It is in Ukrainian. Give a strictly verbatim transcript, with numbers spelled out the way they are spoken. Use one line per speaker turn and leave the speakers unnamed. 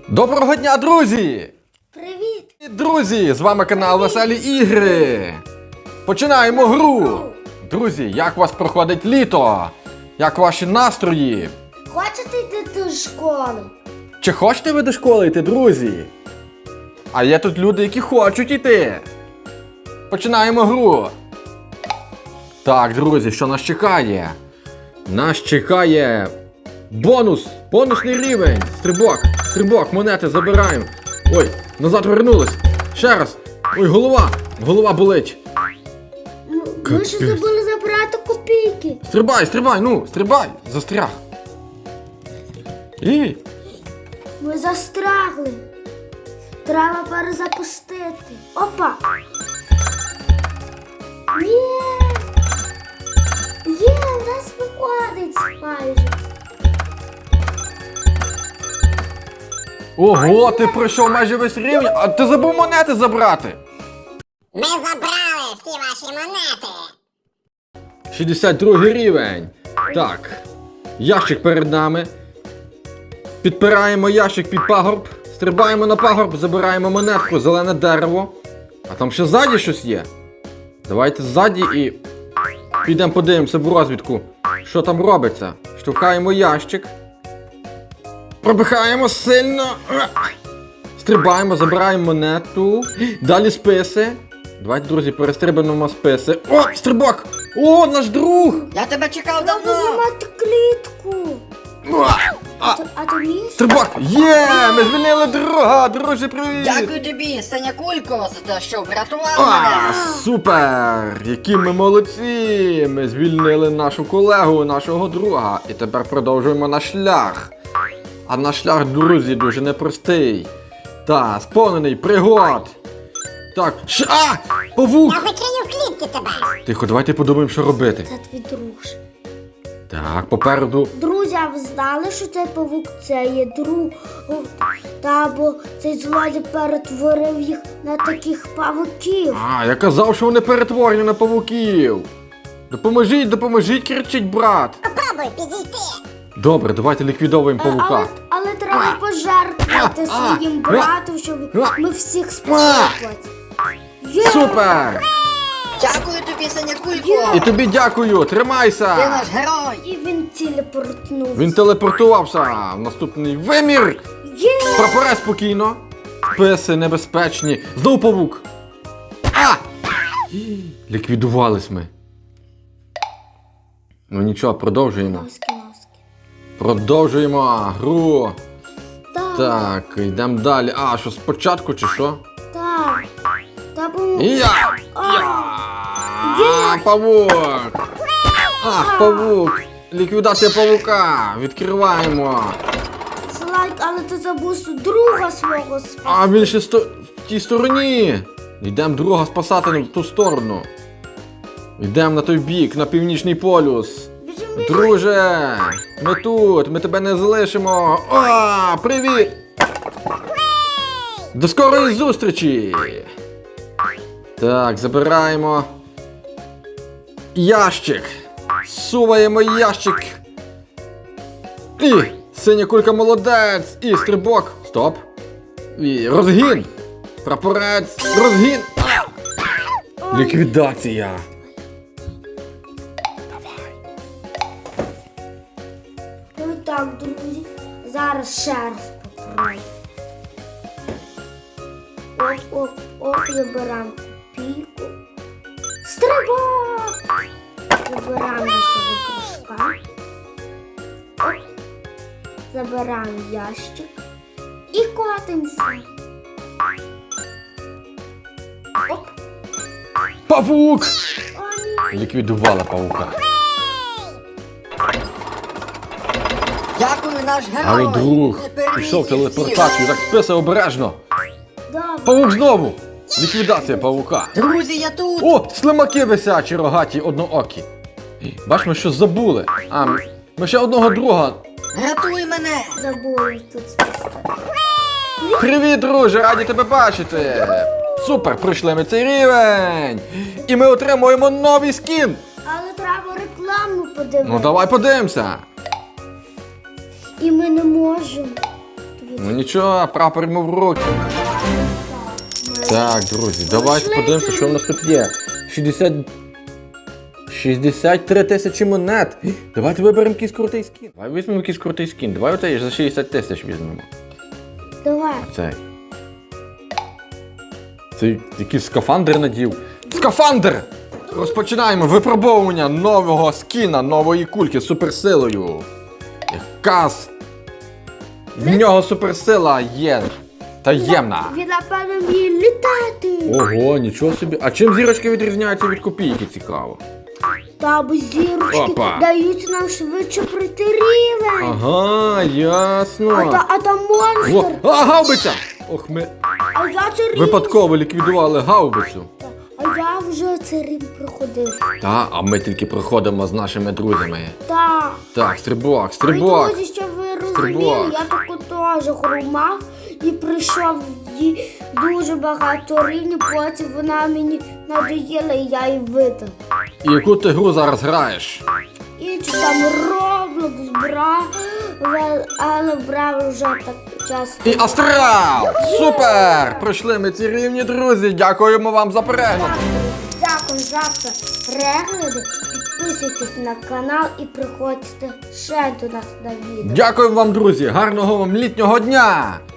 Доброго дня, друзі!
Привіт!
Друзі, з вами канал Веселі Ігри. Починаємо гру. Друзі, як у вас проходить літо? Як ваші настрої?
Хочете йти до школи?
Чи хочете ви до школи йти, друзі? А є тут люди, які хочуть йти. Починаємо гру. Так, друзі, що нас чекає? Нас чекає бонус, бонусний рівень. Стрибок, стрибок, монети забираємо. Ой, назад вернулись. Ще раз. Ой, голова, голова болить.
Ну, ми ж забули забрати копійки.
Стрибай, стрибай, ну, стрибай, застряг. І...
Ми застрягли. Треба перезапустити. Опа! Є! Є, у нас виходить майже.
Ого, ти пройшов майже весь рівень, а ти забув монети забрати.
Ми забрали всі ваші монети.
шістдесят другий рівень. Так, ящик перед нами. Підпираємо ящик під пагорб, стрибаємо на пагорб, забираємо монетку, зелене дерево. А там ще ззаді щось є. Давайте ззаді і підемо подивимося в розвідку, що там робиться. Штовхаємо ящик. Пробихаємо сильно. Стрибаємо, забираємо монету. Далі списи. Давайте, друзі, перестрибаємо списи. О, стрибок! О, наш друг!
Я тебе чекав
Треба
давно!
знімати клітку.
А,
Ти- А ти вмієш?
стрибок! Є! Ми звільнили друга! Друже, привіт!
Дякую тобі, Синя Кулько, за те, що врятував
А,
мене!
супер! Які ми молодці! Ми звільнили нашу колегу, нашого друга. І тепер продовжуємо наш шлях. А наш шлях, друзі, дуже непростий. Та, сповнений пригод. Так, ш... А! Павук!
Я закрию в клітці тебе.
Тихо, давайте подумаємо, що робити.
Це твій друг.
Так, попереду.
Друзі, а ви знали, що цей павук це є друг? Та бо цей злодій перетворив їх на таких павуків.
А, я казав, що вони перетворені на павуків. Допоможіть, допоможіть, кричить брат.
Попробуй підійти.
Добре, давайте ліквідовуємо
Але,
павука.
але треба пожертвувати
А, а,
своїм
а,
братом, щоб
а,
ми всіх спасли. Є!
Супер!
Дякую тобі, Синя Кулько!
І тобі дякую,
Ти
тримайся!
наш герой!
І він телепортнувся.
Він телепортувався в наступний вимір!
Є!
Прапорець спокійно. Списи небезпечні. Знову павук. А! Ліквідувались ми. Ну нічого, продовжуємо.
Ласки, ласки.
Продовжуємо гру.
Так,
Так, йдемо далі. А, що спочатку чи що?
так. Та бо...
Я! Я! Павук! Ах, павук! Ліквідація павука! Відкриваємо!
Слайк, але ти забув друга свого спасти.
А він ще сто... в тій стороні! Йдемо друга спасати в ту сторону. Йдемо на той бік, на північний полюс.
Біжим, біжим.
Друже! Ми тут, ми тебе не залишимо! О, привіт! До скорої зустрічі! Так, забираємо ящик. Суваємо ящик. І синя кулька молодець. І стрибок. Стоп. І розгін. Прапорець. Розгін. А! Ліквідація.
Ну і так, друзі. Зараз ще раз попробуємо. Оп, оп, оп, забираємо копійку. Стрибок! Забираємо нашого дружка. Оп. Забираємо ящик. І котимося. Оп.
Павук!
О, ні.
Ліквідувала павука.
Дякую, наш герой!
Але друг
Ти переміг
пішов в
їх
телепортацію.
всіх.
Так списи обережно.
Добре.
Павук знову. Ліквідація павука.
Друзі, я тут!
О, слимаки висячі, рогаті, одноокі. Бач, ми щось забули. А, ми ще одного друга.
Рятуй мене!
Забули тут спасти.
Привіт, друже, раді тебе бачити. Супер, пройшли ми цей рівень. І ми отримуємо новий скін.
Але треба рекламу подивитися.
Ну давай подивимося.
І ми не можемо. Тобі
Ну нічого, прапор йому в руки. Так, друзі, давайте подивимося, що в нас тут є. шістдесят... шістдесят три тисячі монет. Давайте виберемо якийсь крутий скін. Давай візьмемо якийсь крутий скін. Давай оцей за шістдесят тисяч візьмемо.
Давай.
Цей. Цей якийсь скафандр надів. Скафандр! Розпочинаємо випробовування нового скіна, нової кульки з суперсилою. Яка з... В нього суперсила є. Таємна.
Він, напевно, вміє літати.
Ого, нічого собі. А чим зірочки відрізняються від копійки, цікаво?
Та бо зірочки
Опа.
дають нам швидше пройти рівень.
Ага, ясно.
А, та, а там монстр.
О, а, гаубиця! Ох, ми
А я це рівень.
випадково ліквідували гаубицю.
А я вже це рівень проходив.
Та, а ми тільки проходимо з нашими друзями.
Так.
Так, стрибок,
Ой,
стрибок.
друзі, щоб ви
Стрибок.
розуміли, я таку теж хромав і прийшов їй дуже багато рівнів, потім вона мені надоїла і я її видав.
І яку ти гру зараз граєш?
Іншу там Roblox брав, але брав вже так часто.
І Астрал! Супер! Пройшли ми ці рівні, друзі. Дякуємо вам за перегляд.
Дякую за перегляди. Підписуйтесь на канал і приходьте ще до нас на відео.
Дякую вам, друзі. Гарного вам літнього дня!